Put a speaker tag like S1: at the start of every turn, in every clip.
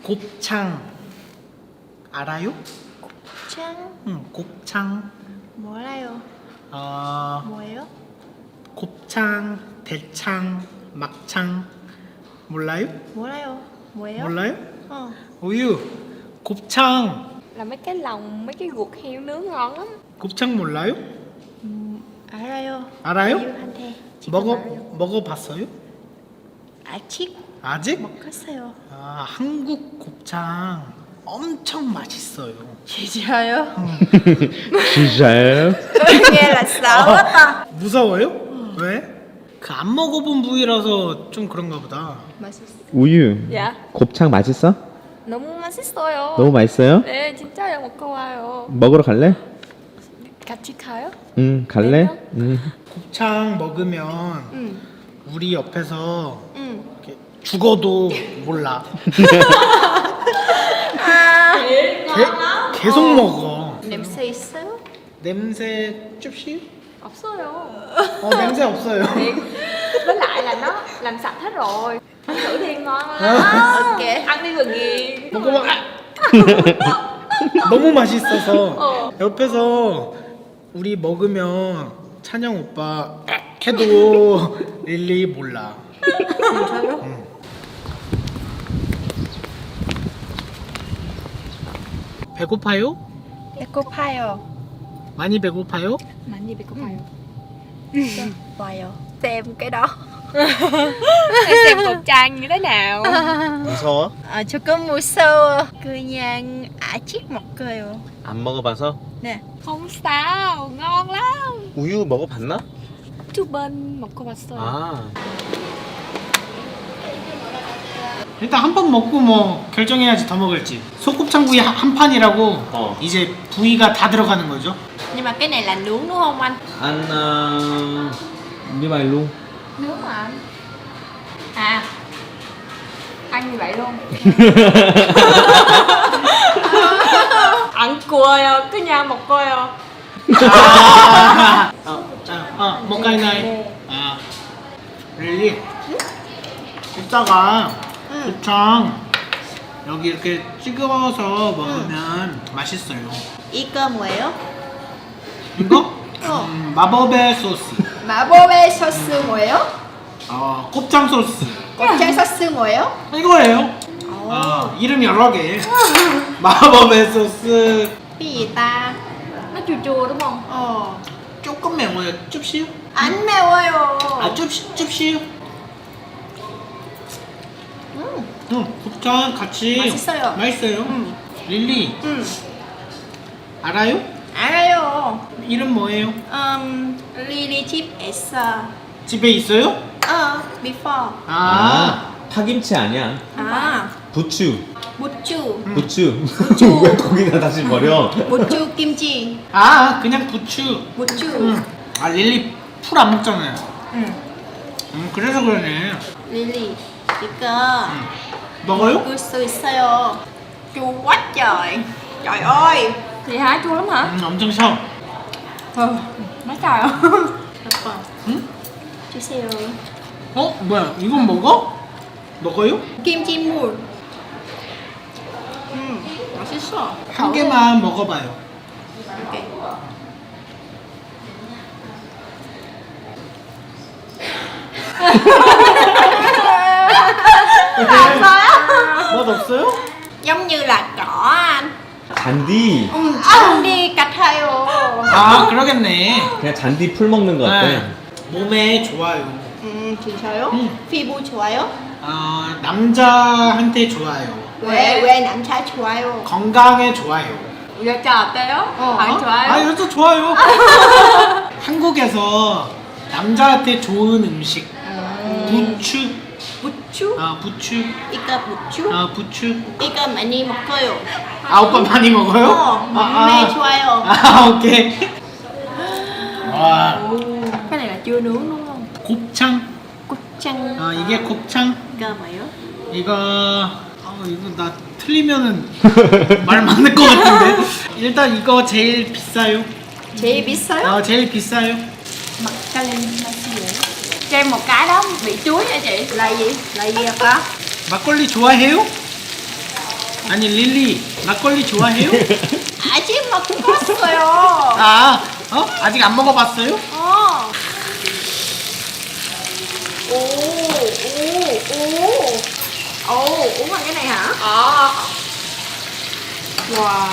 S1: 곱창 알아요?
S2: 곱창?
S1: 응, 곱창.
S2: 몰라요. 뭐예요?
S1: 곱창, 대창, 막창 몰라요?
S2: 몰라요. 뭐예요?
S1: 몰라요?
S2: 어.
S1: 우유. 곱창.
S3: Là mấy cái lòng, mấy cái ruột heo nướng ngon lắm.
S1: 곱창 몰라요?
S2: 알아요.
S1: 알아요?
S2: 우유한테 직접 알아요.
S1: 먹어봤어요?
S2: 아직
S1: 아직?
S2: 먹었어요.
S1: 아, 한국 곱창 엄청 맛있어요.
S2: 진짜요?
S4: 진짜요?
S2: nghe là sợ quá ta.
S1: 무서워요? 왜? 그 안 먹어본 부위라서 좀 그런가 보다.
S2: 맛있어.
S4: 우유.
S3: Dạ.
S4: 곱창 맛있어?
S3: 너무 맛있어요.
S4: 너무 맛있어요?
S3: 네, 진짜요. 먹고 와요.
S4: 먹으러 갈래?
S3: 같이 가요?
S4: 응, 갈래? 응.
S1: 곱창 먹으면
S2: 응.
S1: 우리 옆에서
S2: 응.
S1: 이렇게 죽어도 몰라. 계속 먹어.
S2: 냄새 있어요?
S1: 냄새 줍시?
S3: 없어요.
S1: 냄새 없어요.
S3: Với lại là nó làm sạch hết rồi. Ăn thử đi ngon lắm.
S2: Ok.
S3: Ăn đi rồi ghiền.
S1: 먹어봐. 너무 맛있어서 옆에서 우리 먹으면 찬영 오빠 해도 릴리 몰라.
S2: 진짜요?
S1: 배고파요?
S2: 배고파요.
S1: 많이 배고파요?
S3: Mạnh gì bị có phải
S2: 와요. xem cái đó.
S3: xem cục trang như thế nào.
S4: 무서워?
S2: 조금 무서워. 그냥 아직 먹어요.
S4: 안 먹어봐서?
S2: 네.
S3: Không sao, ngon lắm.
S4: 우유 먹어봤나?
S3: 두 번 먹어봤어요.
S4: 아.
S1: 일단 한 번 먹고 뭐 결정해야지 더 먹을지. 소곱창구이 한 판이라고 이제 부위가 다 들어가는 거죠.
S2: Nhưng mà cái này là nướng đúng không anh?
S4: ăn như vậy luôn.
S3: Nướng mà anh. À, ăn như vậy luôn. 안 구워요. 그냥 먹어요.
S1: 먹가이 나이. 릴리. 이따가 곱창 여기 이렇게 찍어서 먹으면 맛있어요.
S2: 이거 뭐예요?
S1: 이거? 마법의 소스.
S2: 마법의 소스 뭐예요?
S1: 곱창 소스.
S2: 곱창 소스 뭐예요?
S1: 이거예요. 이름 여러 개. 마법의 소스.
S2: cái gì ta?
S3: Nó chua chua đúng không?
S1: 조금 매워요. 줍시요?
S2: 안 매워요.
S1: 줍시요? 곱창 같이
S2: 맛있어요.
S1: 맛있어요. 릴리 알아요?
S2: 알아요.
S1: 이름 뭐예요?
S2: 리리 집에서.
S1: 집에 있어요?
S2: before.
S4: 파김치 아니야. 부추.
S2: 부추.
S4: 부추. 왜 거기다 다시 버려?
S2: 부추 김치.
S1: 그냥 부추.
S2: 부추.
S1: 릴리 풀 안 먹잖아요. 그래서 그러네.
S2: 리리 이거
S1: 먹어요?
S2: 먹을 수 있어요. chua quá trời. Trời ơi.
S3: Vậy hả? Chua lắm hả?
S1: 엄청 셔.
S3: Mấy trời ơi.
S2: 오빠. 주세요.
S1: 뭐야? 이건 먹어? 먹어요?
S2: 김치물. 맛있어.
S1: 한 개만 먹어봐요.
S2: 오케이.
S1: 맛 없어요?
S2: giống như là cỏ anh.
S4: 잔디.
S2: 잔디 같아요.
S1: 그러겠네.
S4: 그냥 잔디 풀 먹는 거 어때?
S1: 몸에 좋아요.
S2: 진짜요? 피부 좋아요?
S1: 남자한테 좋아요.
S2: 왜 남자 좋아요?
S1: 건강에 좋아요.
S3: 여자 어때요? 안 좋아요?
S1: 여자 좋아요. 한국에서 남자한테 좋은 음식. 부추.
S2: 부추?
S1: 부추.
S2: 이거 부추?
S1: 부추.
S2: 이거 많이 먹어요.
S1: 오빠 많이 먹어요?
S2: 몸에 좋아요.
S1: 오케이. 와.
S2: cái này là chưa nướng đúng không?
S1: 곱창.
S2: 곱창.
S1: 이게 곱창.
S2: 이거 뭐예요?
S1: 이거 나 틀리면은 말 맞는 것 같은데. 일단 이거 제일 비싸요.
S2: 제일 비싸요?
S1: 제일 비싸요.
S2: Mặt ca lên là gì?
S3: Cho em một cái đó bị chuối nha chị.
S2: Là gì? Là gì hả?
S1: 막걸리 좋아해요? 아니 릴리 막걸리 좋아해요?
S2: 아직 막 먹었어요.
S1: 아, 아직 안 먹어봤어요?
S2: 어. 오, uống bằng cái này hả? Wow.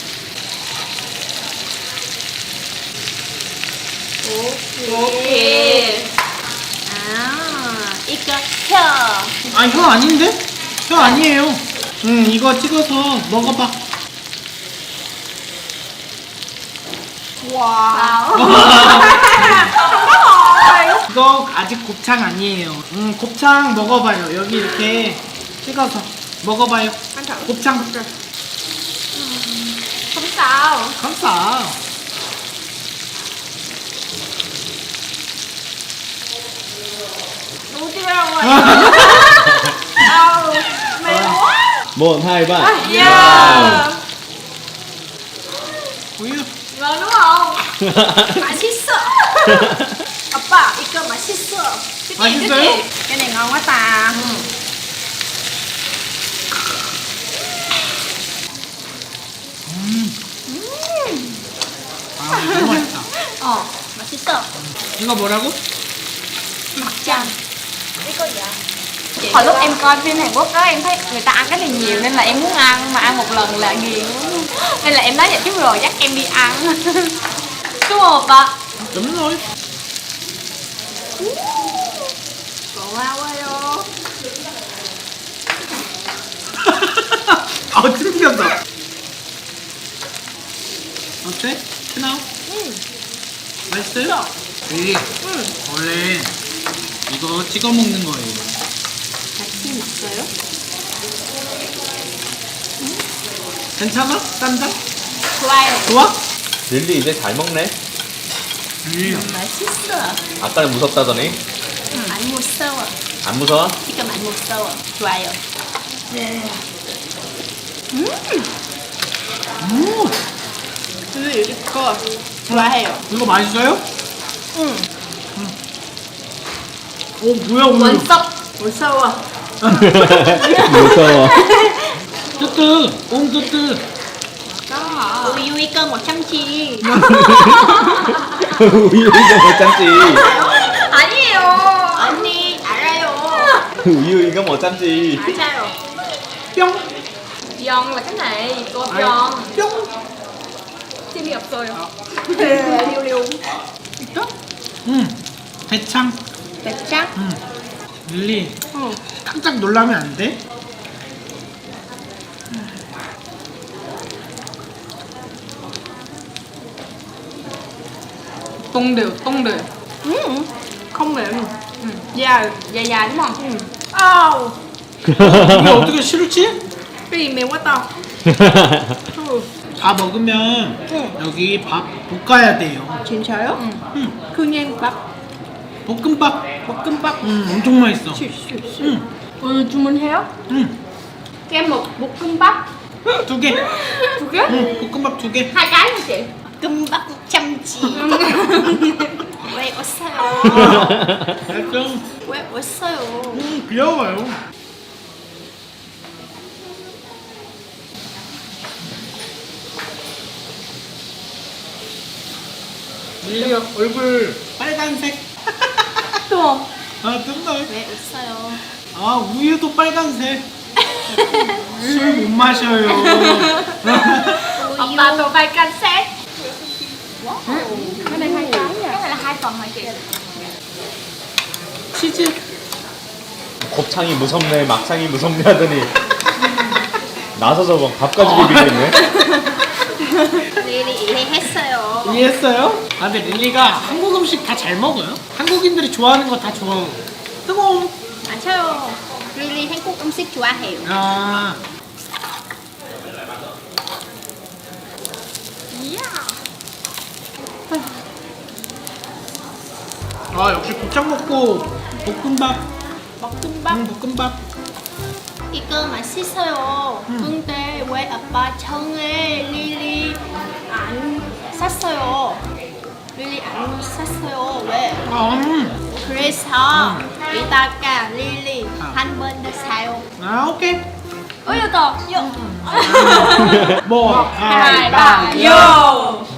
S3: 오케이.
S2: 이거 혀.
S1: 아, 혀 아닌데? 혀 아니에요. 이거 찍어서 먹어봐.
S2: Wow.
S1: 이거 아직 곱창 아니에요. 곱창 먹어봐요. 여기 이렇게 찍어서 먹어봐요.
S2: Ăn thử.
S1: 곱창.
S2: Không sao.
S1: 감사.
S2: Nuốt chưa rồi. Mềm quá.
S4: 1, 2, 3.
S2: Yeah.
S1: 우유.
S2: Ngon đúng không? 맛있어. 아빠, 이거 맛있어.
S1: 맛있어요?
S2: cái này ngon quá ta.
S1: 아, 너무 맛있다.
S2: 맛있어.
S1: 이거 뭐라고?
S2: Mặt trăng.
S3: Hồi lúc em coi phim Hàn Quốc đó em thấy người ta ăn cái này nhiều nên là em muốn ăn, mà ăn một lần là ghiền luôn. Nên là em nói vậy chứ rồi dắt em đi ăn. Đúng không opa?
S1: Đúng rồi.
S2: 고마워요.
S1: 아, 튕겼다. 어때? 크나우? 맛있어요? 네. 원래 이거 찍어 먹는 거예요.
S2: 같이 먹어요?
S1: 괜찮아? 쌈장?
S2: 좋아요.
S1: 좋아?
S4: 릴리 이제 잘 먹네.
S2: 맛있어.
S4: 아까는 무섭다더니.
S2: 안 무서워.
S4: 안 무서워?
S2: 지금 안 무서워. 좋아요. 이거 커. 좋아해요.
S1: 이거 맛있어요? 오, 뭐야, 오늘.
S3: 원석.
S2: 무서워.
S4: 무서워.
S1: 뜨뜨, 옴 뜨뜨.
S2: 우유 이거 못 참지.
S4: 우유 이거 못 참지.
S3: 아니에요.
S2: 언니 알아요.
S4: 우유 이거 못 참지.
S2: 알아요.
S1: 뿅.
S3: Giòn là cái này, cô
S1: 아,
S3: giòn.
S1: 뿅.
S3: TV 없어요.
S2: 리우.
S1: 대창.
S2: 대창?
S1: 릴리. 깜짝 놀라면 안 돼?
S3: Tung đều.
S2: Không mềm.
S3: Dài dài đúng không?
S2: Ау.
S1: 이게 어떻게 싫지?
S2: cái gì mềm quá to.
S1: 다 먹으면 여기 밥 볶아야 돼요.
S2: 진짜요?
S1: 응.
S2: 그냥 밥.
S1: 볶음밥.
S2: 볶음밥.
S1: 엄청 맛있어. 응.
S3: Ừ, 주문해요?
S1: 응.
S3: Kem một 볶음밥.
S1: 2개.
S3: 두 개?
S1: 응. 볶음밥 2개.
S3: 2 cái hả chị?
S2: 볶음밥 참치. 왜 웃어요?
S1: 약간
S2: 왜 웃어요?
S1: 귀여워요. 릴리 얼굴 빨간색.
S3: 또.
S1: 아, 뜬다.
S2: 왜 웃어요?
S1: 아, 우유도 빨간색. 술 못 마셔요.
S3: Opa tô vai cassette. Cái này 2 cái nha. Cái này là 2 phần hả chị?
S1: 치즈.
S4: 곱창이 무섭네, 막창이 무섭네 하더니 나서서 막 밥까지 비비겠네.
S2: 리리 이해했어요.
S1: 이해했어요? 아, 근데 릴리가 한국 음식 다 잘 먹어요. 한국인들이 좋아하는 거 다 좋아하고. 뜨거움.
S2: 맞아요. 리리 한국 음식 좋아해요.
S1: 아, 아 역시 곱창 먹고 볶음밥. 볶음밥.
S2: 이거 맛있어요. 근데 왜 아빠 청에 리리 안 샀어요? 리리 안 샀어요. 왜? 그래서 이따가 리리 한 번 더 사요.
S1: 아, 오케이.
S3: ôi yêu to
S1: một
S3: hai ba vô